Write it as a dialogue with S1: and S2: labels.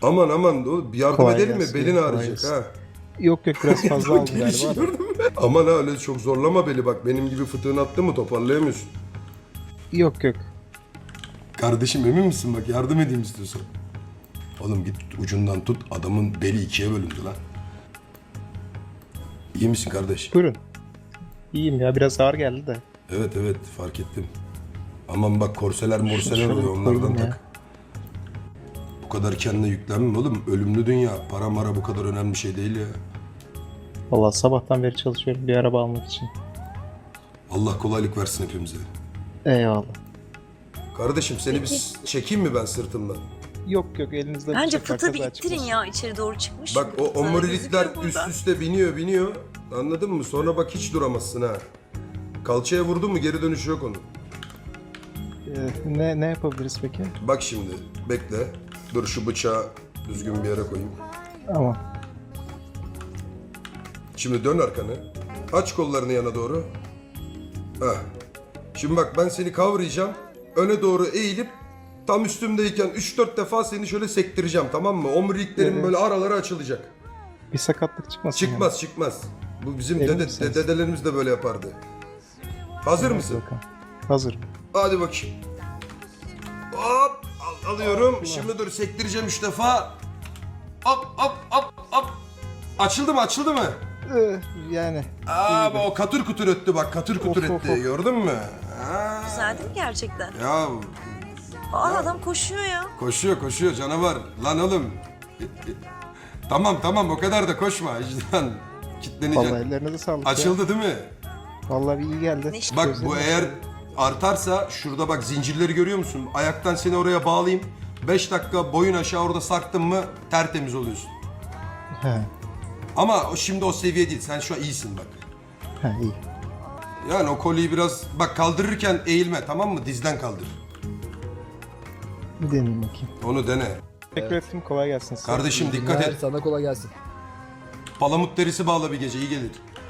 S1: Aman aman oğlum, bir yardım
S2: Kolay
S1: edelim mi?
S2: gelsin,
S1: Belin
S2: kolay
S1: ağrıyacak
S2: gelsin.
S1: ha.
S2: Yok biraz fazla aldım
S1: Gelişi
S2: galiba.
S1: gördün mü? Aman ha, öyle çok zorlama beli bak. Benim gibi fıtığın attı mı toparlayamıyorsun.
S2: Yok.
S1: Kardeşim emin misin, bak yardım edeyim istiyorsan. Oğlum git ucundan tut, adamın beli ikiye bölündü lan. İyi misin kardeş?
S2: Buyurun. İyiyim ya, biraz ağır geldi de.
S1: Evet fark ettim. Aman bak, korseler morseler
S2: Şöyle
S1: oluyor, onlardan
S2: koyayım ya.
S1: tak. Bu kadar kendine yüklenme oğlum. Ölümlü dünya. Para mara bu kadar önemli bir şey değil ya.
S2: Vallahi sabahtan beri çalışıyorum bir araba almak için.
S1: Allah kolaylık versin hepimize.
S2: Eyvallah.
S1: Kardeşim seni bir çekeyim mi ben sırtımdan?
S2: Yok elinizde
S3: Bence
S2: bıçak var,
S3: fıtığı bir
S2: kaza
S3: ittirin
S2: çıkmasın.
S3: ya, içeri doğru çıkmış.
S1: Bak o omurilikler
S3: Gözüküyor
S1: üst
S3: burada.
S1: üste biniyor. Anladın mı? Sonra bak hiç duramazsın ha. Kalçaya vurdun mu geri dönüşü yok onun.
S2: Ne yapabiliriz peki?
S1: Bak şimdi bekle. Dur şu bıçağı düzgün bir yere koyayım.
S2: Ama
S1: Şimdi dön arkanı. Aç kollarını yana doğru. Heh. Şimdi bak ben seni kavrayacağım. Öne doğru eğilip tam üstümdeyken 3-4 defa seni şöyle sektireceğim, tamam mı? Omuriliklerin
S2: Evet.
S1: böyle araları açılacak.
S2: bir sakatlık çıkmasın.
S1: Çıkmaz. Bu bizim
S2: Emin misiniz?
S1: dedelerimiz de böyle yapardı. Hazır
S2: Yani.
S1: mısın?
S2: Bakalım. Hazırım.
S1: Hadi bakayım. Hop alıyorum. Şimdi dur sektireceğim 3 defa. Hop. Açıldı mı?
S2: Yani.
S1: O katır kutur öttü bak, katır kutur
S2: Of, of,
S1: etti.
S2: of.
S1: Gördün mü? Ha.
S3: Güzel değil mi gerçekten?
S1: Ya
S3: Adam koşuyor ya.
S1: koşuyor canavar. Lan oğlum. Tamam o kadar da koşma. Vicdan. Kitleneceksin.
S2: Vallahi ellerinize sağlık ya.
S1: Açıldı değil mi?
S2: Vallahi bir iyi geldi.
S3: Ne-
S1: Bak
S2: Gözlerim
S1: bu
S2: açıldı.
S1: eğer artarsa şurada bak zincirleri görüyor musun? Ayaktan seni oraya bağlayayım. 5 dakika boyun aşağı orada sarktın mı tertemiz oluyorsun.
S2: He.
S1: Ama şimdi o seviye değil. Sen şu an iyisin bak.
S2: İyi.
S1: Yani o koliyi biraz bak kaldırırken eğilme, tamam mı? Dizden kaldır.
S2: Bir deneyeyim bakayım.
S1: Onu dene.
S2: Teşekkür ettim. Kolay gelsin size.
S1: Kardeşim dikkat et.
S4: Sana kolay gelsin.
S1: Palamut derisi bağla bir gece, iyi gelir.